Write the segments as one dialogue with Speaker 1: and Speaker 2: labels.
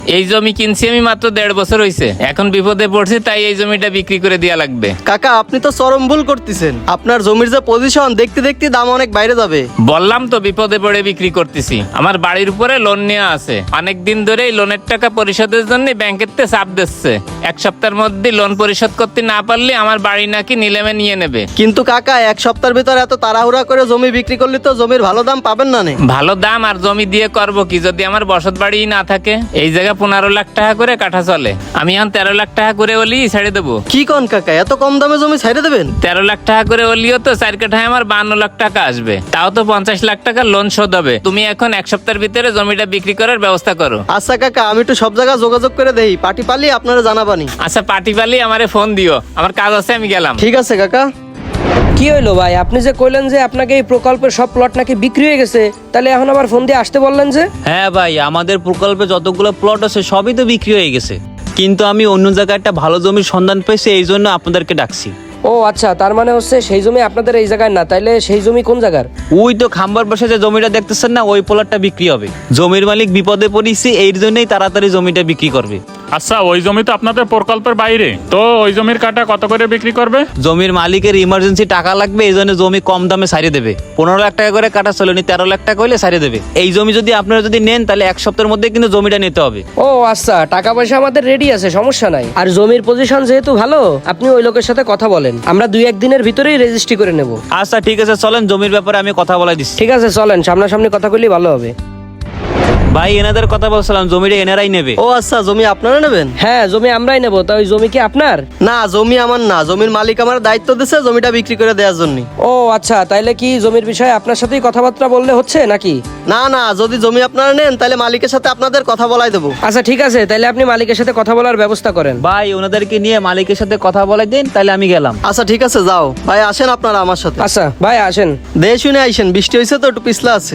Speaker 1: এই জমি কিনছি আমি মাত্র 1.5 বছর হয়েছে। এখন বিপদে পড়ছি, তাই এই জমিটা বিক্রি করে দেয়া লাগবে।
Speaker 2: কাকা আপনি তো চরম ভুল করতেছেন, আপনার জমির যে পজিশন দেখতে দেখতে দাম অনেক বাইরে যাবে।
Speaker 1: বললাম তো বিপদে পড়ে বিক্রি করতেছি। আমার বাড়ির উপরে লোন নেওয়া আছে, অনেক দিন ধরে এই লোনের টাকা পরিশোধের জন্য ব্যাংকের তে চাপ দিচ্ছে। 1 সপ্তাহের মধ্যে লোন পরিশোধ করতে না পারলে আমার বাড়ি নাকি নিলামে নিয়ে নেবে।
Speaker 2: কিন্তু কাকা 1 সপ্তাহের ভিতরে এত তাড়াহুড়া করে জমি বিক্রি করলে তো জমির ভালো দাম পাবেন না।
Speaker 1: ভালো দাম আর জমি দিয়ে করব কি যদি আমার বসত বাড়ি না থাকে? এই জায়গা 15 লাখ টাকা করে কাঠা চলে, আমি এখন 13 লাখ টাকা করে ওলি ছেড়ে দেবো।
Speaker 2: কি কোন কাকা, এত কম দামে জমি ছেড়ে দেবেন?
Speaker 1: 13 লাখ টাকা করে ওলিও তো 4 কাঠায় আমার 52 লাখ টাকা আসবে, তাও তো 50 লাখ টাকা লোন শোধ হবে। তুমি এখন 1 সপ্তাহের ভিতরে জমিটা বিক্রি করার ব্যবস্থা করো।
Speaker 2: আচ্ছা কাকা, আমি একটু সব জায়গায় যোগাযোগ করে দেই, পার্টি পালি আপনারা জানাবানি।
Speaker 1: আচ্ছা পার্টি পালি আমারে ফোন দিও, আমার কাজ আছে, আমি গেলাম।
Speaker 2: ঠিক আছে কাকা।
Speaker 3: কি হইলো ভাই, আপনি যে কইলেন যে আপনাকে এই প্রকল্পের সব প্লট নাকি বিক্রি হয়ে গেছে, তাহলে এখন আবার ফোন দিয়ে আসতে বললেন যে?
Speaker 4: হ্যাঁ ভাই, আমাদের প্রকল্পে যতগুলো প্লট আছে সবই তো বিক্রি হয়ে গেছে, কিন্তু আমি অন্য জায়গায় একটা ভালো জমির সন্ধান পেয়েছি, এই জন্য আপনাদেরকে ডাকছি।
Speaker 3: ও আচ্ছা, তার মানে হচ্ছে সেই জমি আপনাদের এই জায়গায় না, তাইলে সেই জমি কোন জায়গার?
Speaker 4: ওই তো খাম্বার পাশে যে জমিটা দেখতেছেন না, ওই প্লটটা বিক্রি হবে। জমির মালিক বিপদে পড়েছে, এই জন্যই তাড়াতাড়ি জমিটা বিক্রি করবে।
Speaker 5: আচ্ছা, ওই জমি তো আপনাদের প্রকল্পের বাইরে, তো ওই জমির কাটা কত করে বিক্রি করবে?
Speaker 4: জমির মালিকের ইমার্জেন্সি টাকা লাগবে, এই জন্য জমি কম দামে ছাড়িয়ে দেবে। 15 লাখ টাকা করে কাটা চলেনি, 13 লাখ টাকা হইলে ছাড়িয়ে দেবে। এই জমি যদি আপনারা যদি নেন, তাহলে 1 সপ্তাহের মধ্যে কিন্তু জমিটা নিতে হবে।
Speaker 3: ও আচ্ছা, টাকা পয়সা আমাদের রেডি আছে, সমস্যা নাই। আর জমির পজিশন যেহেতু ভালো, আপনি ওই লোকের সাথে কথা বলেন, আমরা 2-1 দিনের ভিতরেই রেজিস্ট্রি করে নেব।
Speaker 4: আচ্ছা ঠিক আছে, চলেন জমির ব্যাপারে আমি কথা বলাই দিচ্ছি।
Speaker 3: ঠিক আছে চলেন, সামনাসামনি কথা বললেই ভালো হবে।
Speaker 4: ভাই এনাদের কথা বলছিলাম, জমিটা এনারাই নেবে।
Speaker 2: ও আচ্ছা, জমি আপনারা নেবেন?
Speaker 3: হ্যাঁ জমি আমরাই নেব। তা ওই জমি কি আপনার?
Speaker 2: না, জমি আমার না, জমির মালিক আমার দায়িত্ব দিয়েছে জমিটা বিক্রি করে দেওয়ার জন্য।
Speaker 3: ও আচ্ছা, তাইলে কি জমির বিষয়ে আপনার সাথেই কথাবার্তা বললে হচ্ছে নাকি?
Speaker 2: না না, যদি জমি আপনারা নেন তাহলে মালিকের সাথে আপনাদের কথা বলাই দেবো।
Speaker 3: আচ্ছা ঠিক আছে, তাইলে আপনি মালিকের সাথে কথা বলার ব্যবস্থা করেন।
Speaker 4: ভাই ওনাদেরকে নিয়ে মালিকের সাথে কথা বলাই দিন, তাহলে আমি গেলাম।
Speaker 2: আচ্ছা ঠিক আছে, যাও ভাই, আসেন আপনারা আমার সাথে।
Speaker 3: আচ্ছা ভাই আসেন।
Speaker 2: দেশ শুনে আইসেন, বৃষ্টি হয়েছে তো একটু পিছলা আছে।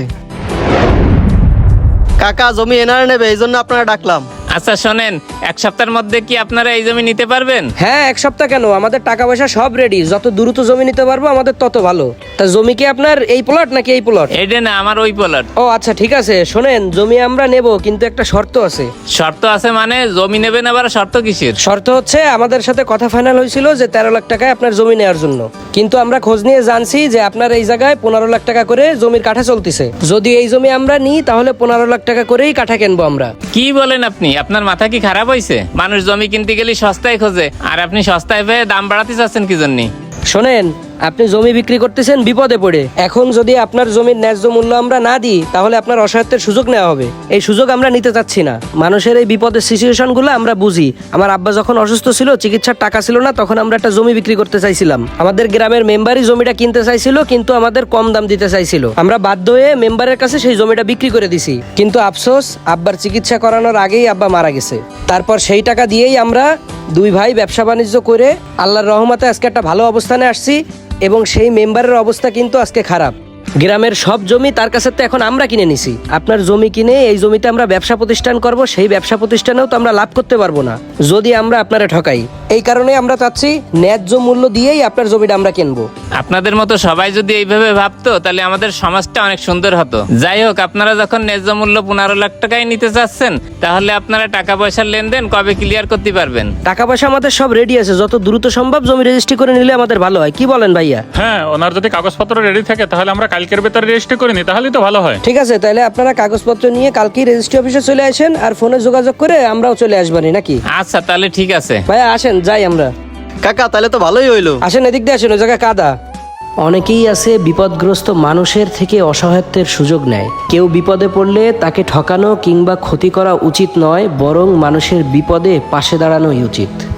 Speaker 2: কাকা জমি এনারা নেবে, এই জন্য আপনারা ডাকলাম।
Speaker 1: আচ্ছা শোনেন, 1 সপ্তাহের মধ্যে কি আপনারা এই জমি নিতে পারবেন?
Speaker 3: হ্যাঁ 1 সপ্তাহ কেন, আমাদের টাকা পয়সা সব রেডি, যত দ্রুত জমি নিতে পারবো আমাদের তত ভালো। তা জমি কি আপনার এই প্লট নাকি এই প্লট?
Speaker 1: এইটা না, আমার ওই প্লট।
Speaker 3: ও আচ্ছা ঠিক আছে, শোনেন জমি আমরা নেব, কিন্তু একটা শর্ত আছে।
Speaker 1: শর্ত আছে মানে? জমি নেবেন আবার শর্ত কিসের?
Speaker 3: শর্ত হচ্ছে, আমাদের সাথে কথা ফাইনাল হয়েছিল যে 13 লাখ টাকায় আপনার জমি নেওয়ার জন্য, কিন্তু আমরা খোঁজ নিয়ে জানছি যে আপনার এই জায়গায় 15 লাখ টাকা করে জমির কাঠা চলতেছে। যদি এই জমি আমরা নিই তাহলে 15 লাখ টাকা করেই কাঠা কিনবো আমরা।
Speaker 1: কি বলেন আপনি? আপনার মাথা কি খারাপ হয়েছে? মানুষ জমি কিনতে গেলে সস্তায় খোঁজে, আর আপনি সস্তায় পেয়ে দাম বাড়াতে চাচ্ছেন কি জন্য?
Speaker 3: শোনেন, আপনি জমি বিক্রি করতেছেন বিপদে পড়ে, এখন যদি আপনার জমির ন্যায্য মূল্য আমরা না দিই তাহলে আপনার অসহায়ত্বের সুযোগ নেওয়া হবে। এই সুযোগ আমরা নিতে চাচ্ছি না। মানুষের এই বিপদের সিচুয়েশন গুলো আমরা বুঝি। আমার আব্বা যখন অসুস্থ ছিল, চিকিৎসার টাকা ছিল না, তখন আমরা একটা জমি বিক্রি করতে চাইছিলাম। আমাদের গ্রামের মেম্বারই জমিটা কিনতে চাইছিল, কিন্তু আমাদের কম দাম দিতে চাইছিল। আমরা বাধ্য হয়ে মেম্বারের কাছে সেই জমিটা বিক্রি করে দিছি, কিন্তু আফসোস আব্বার চিকিৎসা করানোর আগেই আব্বা মারা গেছে। তারপর সেই টাকা দিয়েই আমরা 2 ভাই ব্যবসা বাণিজ্য করে আল্লাহর রহমতে আজকে একটা ভালো অবস্থানে আসছি। এবং সেই মেম্বারের অবস্থা কিন্তু আজকে খারাপ। গ্রামের সব জমি তার কাছে তো এখন আমরা কিনে নিছি। আপনার জমি কিনে এই জমিতে আমরা ব্যবসা প্রতিষ্ঠান করব, সেই ব্যবসা প্রতিষ্ঠানেও তো আমরা লাভ করতে পারবো না যদি আমরা আপনারা ঠকাই। এই কারণে আমরা চাচ্ছি ন্যায্য মূল্য দিয়েই আপনার জমিটা আমরা কিনবো।
Speaker 1: আপনাদের মতো সবাই যদি এইভাবে ভাবতো তাহলে আমাদের সমাজটা অনেক সুন্দর হতো। যাই হোক, আপনারা যখন ন্যায্য মূল্য 15 লাখ টাকায় নিতে চাচ্ছেন, তাহলে আপনারা টাকা পয়সার লেনদেন কবে ক্লিয়ার করতে পারবেন?
Speaker 3: টাকা পয়সা আমাদের সব রেডি আছে, যত দ্রুত সম্ভব জমি রেজিস্ট্রি করে নিলে আমাদের ভালো হয়। কি বলেন ভাইয়া?
Speaker 5: হ্যাঁ, ওনার যদি কাগজপত্র রেডি থাকে তাহলে আমরা কালকের ভেতরে রেজিস্ট্রি করে নিই, তাহলেই তো ভালো হয়।
Speaker 3: ঠিক আছে, তাহলে আপনারা কাগজপত্র নিয়ে কালকেই রেজিস্ট্রি অফিসে চলে আসেন, আর ফোনে যোগাযোগ করে আমরাও চলে আসবানি নাকি?
Speaker 1: আচ্ছা তাহলে ঠিক আছে
Speaker 3: ভাইয়া আসেন, যাই আমরা।
Speaker 2: কাকা তাহলে তো ভালোই হইলো।
Speaker 3: আসেন, এদিক দিয়ে আসেন, ওই জায়গায় কাদা। অনেকেই আছে বিপদগ্রস্ত মানুষের থেকে অসহায়ত্বের সুযোগ নেয়। কেউ বিপদে পড়লে তাকে ঠকানো কিংবা ক্ষতি করা উচিত নয়, বরং মানুষের বিপদে পাশে দাঁড়ানোই উচিত।